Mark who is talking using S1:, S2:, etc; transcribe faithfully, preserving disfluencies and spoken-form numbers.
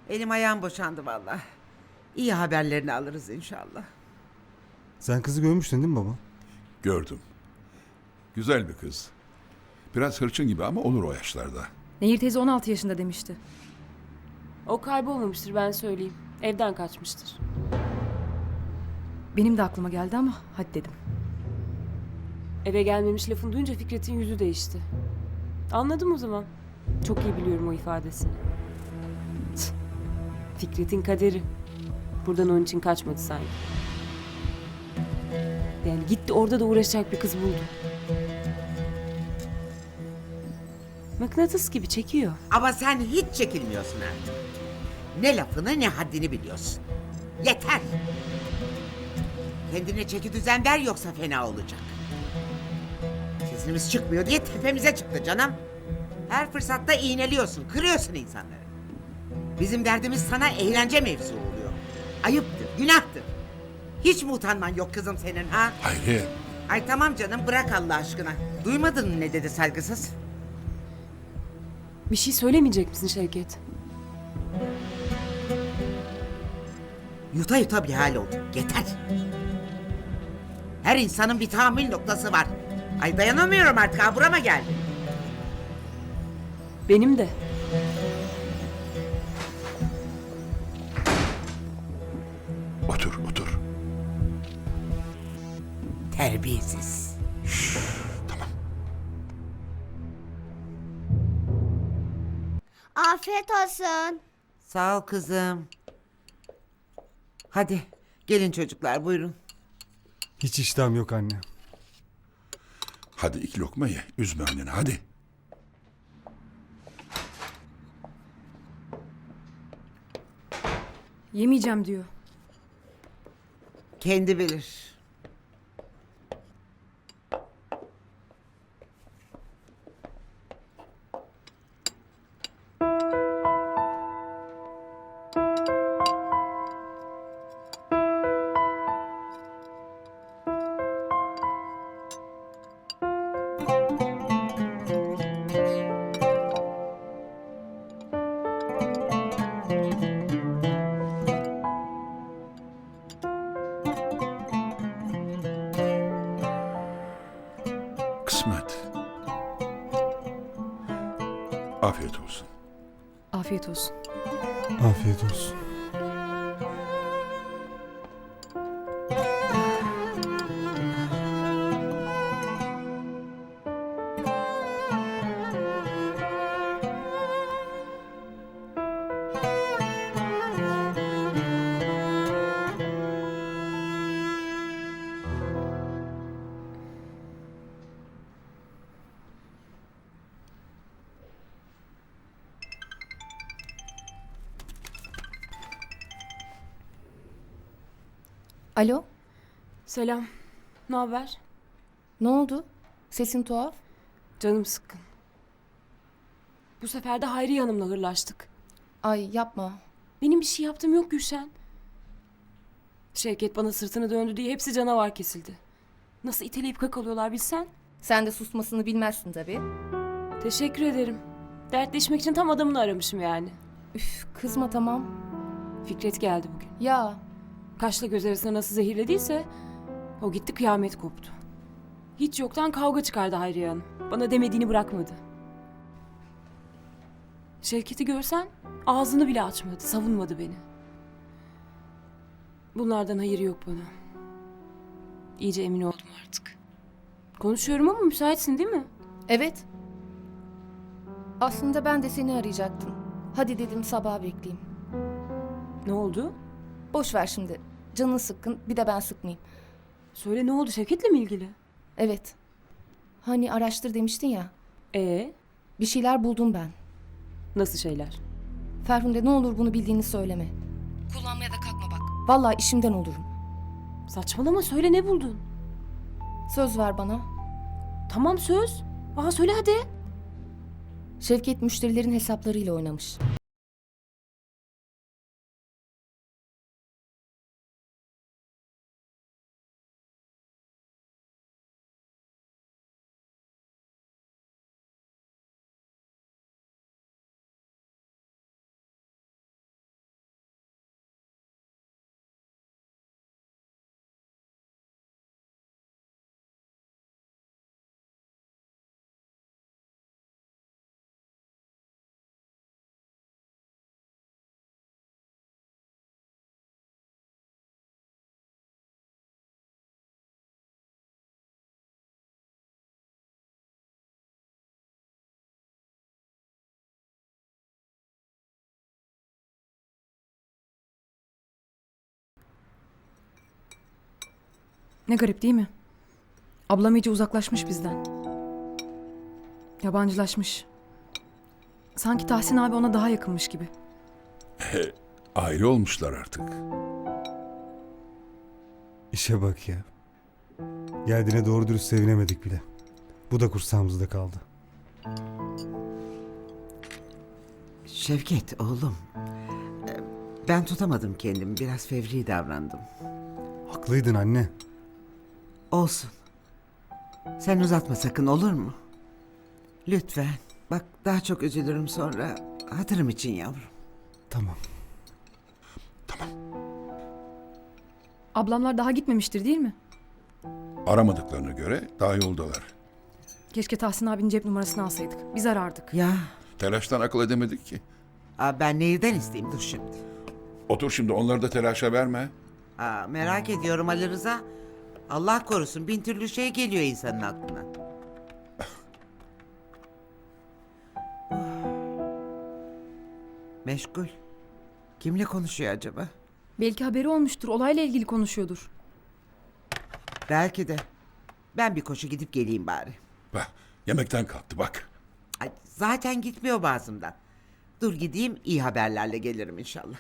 S1: Elim ayağım boşandı vallahi. İyi haberlerini alırız inşallah.
S2: Sen kızı görmüştün değil mi baba?
S3: Gördüm. Güzel bir kız. Biraz hırçın gibi ama olur o yaşlarda.
S4: Nehir teyze on altı yaşında demişti.
S5: O kaybolmamıştır, ben söyleyeyim. Evden kaçmıştır.
S4: Benim de aklıma geldi ama hadi dedim.
S5: Eve gelmemiş lafını duyunca Fikret'in yüzü değişti. Anladım o zaman. Çok iyi biliyorum o ifadesini. Tüh. Fikret'in kaderi. Buradan onun için kaçmadı sanki. Yani gitti, orada da uğraşacak bir kız buldu. Mıknatıs gibi çekiyor.
S1: Ama sen hiç çekilmiyorsun artık. Ne lafını ne haddini biliyorsun. Yeter. Kendine çeki düzen ver yoksa fena olacak. Sesimiz çıkmıyor diye tepemize çıktı canım. Her fırsatta iğneliyorsun, kırıyorsun insanları. Bizim derdimiz sana eğlence mevzu oluyor. Ayıptır, günahtır. Hiç mi utanman yok kızım senin ha?
S3: Hayriye,
S1: Ay tamam canım, bırak Allah aşkına. Duymadın mı ne dedi saygısız?
S5: Bir şey söylemeyecek misin Şevket?
S1: Yuta yuta bir hal oldu. Yeter. Her insanın bir tahammül noktası var. Ay dayanamıyorum artık, ha burama geldi.
S5: Benim de.
S3: otur otur.
S1: Terbiyesiz.
S3: Tamam.
S6: Afiyet olsun.
S1: Sağ ol kızım. Hadi gelin çocuklar, buyurun.
S2: Hiç iştahım yok anne.
S3: Hadi iki lokma ye. Üzme anneni hadi.
S4: Yemeyeceğim diyor.
S1: Kendi bilir.
S3: Kısmet. Afiyet olsun.
S4: Afiyet olsun.
S2: Afiyet olsun.
S7: Alo,
S5: Selam. Ne haber?
S7: ne oldu? Sesin tuhaf.
S5: Canım sıkkın. Bu sefer de Hayriye Hanım'la hırlaştık.
S7: Ay yapma.
S5: Benim bir şey yaptığım yok Gülşen. Şevket bana sırtını döndü diye hepsi canavar kesildi. Nasıl iteleyip kakalıyorlar bilsen.
S7: Sen de susmasını bilmezsin tabii.
S5: Teşekkür ederim. Dertleşmek için tam adamını aramışım yani.
S7: Üf, kızma tamam.
S5: Fikret geldi bugün.
S7: Ya,
S5: Kaşla göz arasına nasıl zehirlediyse o gitti, kıyamet koptu. Hiç yoktan kavga çıkardı Hayriye Hanım. Bana demediğini bırakmadı. Şevket'i görsen ağzını bile açmadı, savunmadı beni. Bunlardan hayır yok bana. İyice emin oldum artık. Konuşuyorum ama müsaitsin değil mi?
S7: evet. Aslında ben de seni arayacaktım. Hadi dedim sabah bekleyeyim.
S5: Ne oldu?
S7: Boş ver şimdi. Canın sıkkın, bir de ben sıkmayayım.
S5: Söyle, ne oldu, Şevket'le mi ilgili?
S7: Evet. Hani araştır demiştin ya.
S5: Ee,
S7: Bir şeyler buldum ben.
S5: nasıl şeyler?
S7: Ferhunde ne olur bunu bildiğini söyleme. Kullanmaya da kalkma bak. Vallahi işimden olurum.
S5: Saçmalama, söyle, ne buldun?
S7: Söz ver bana.
S5: Tamam, söz. Aa, söyle hadi.
S7: Şevket müşterilerin hesaplarıyla oynamış.
S4: Ne garip değil mi? Ablam iyice uzaklaşmış bizden. Yabancılaşmış. Sanki Tahsin abi ona daha yakınmış gibi.
S3: Aile olmuşlar artık.
S2: İşe bak ya. Geldiğine doğru dürüst sevinemedik bile. Bu da kursağımızda kaldı.
S1: Şevket oğlum. e, Ben tutamadım kendimi. Biraz fevri davrandım.
S2: Haklıydın anne.
S1: Olsun. Sen uzatma sakın, olur mu? Lütfen. Bak daha çok üzülürüm sonra. Hatırım için yavrum.
S2: Tamam.
S4: Ablamlar daha gitmemiştir değil mi?
S3: Aramadıklarına göre daha yoldalar.
S4: Keşke Tahsin abinin cep numarasını alsaydık. Biz arardık.
S1: Ya
S3: Telaştan akıl edemedik ki.
S1: aa, ben neyden isteyeyim, dur şimdi.
S3: Otur şimdi, onları da telaşa verme.
S1: Aa, merak ediyorum Ali Rıza. Allah korusun, bin türlü şey geliyor insanın aklına. Meşgul. Kimle konuşuyor acaba?
S4: Belki haberi olmuştur. Olayla ilgili konuşuyordur.
S1: Belki de. Ben bir koşu gidip geleyim bari.
S3: Bak, yemekten kalktı bak.
S1: Ay, zaten gitmiyor bazımdan. Dur gideyim, iyi haberlerle gelirim inşallah.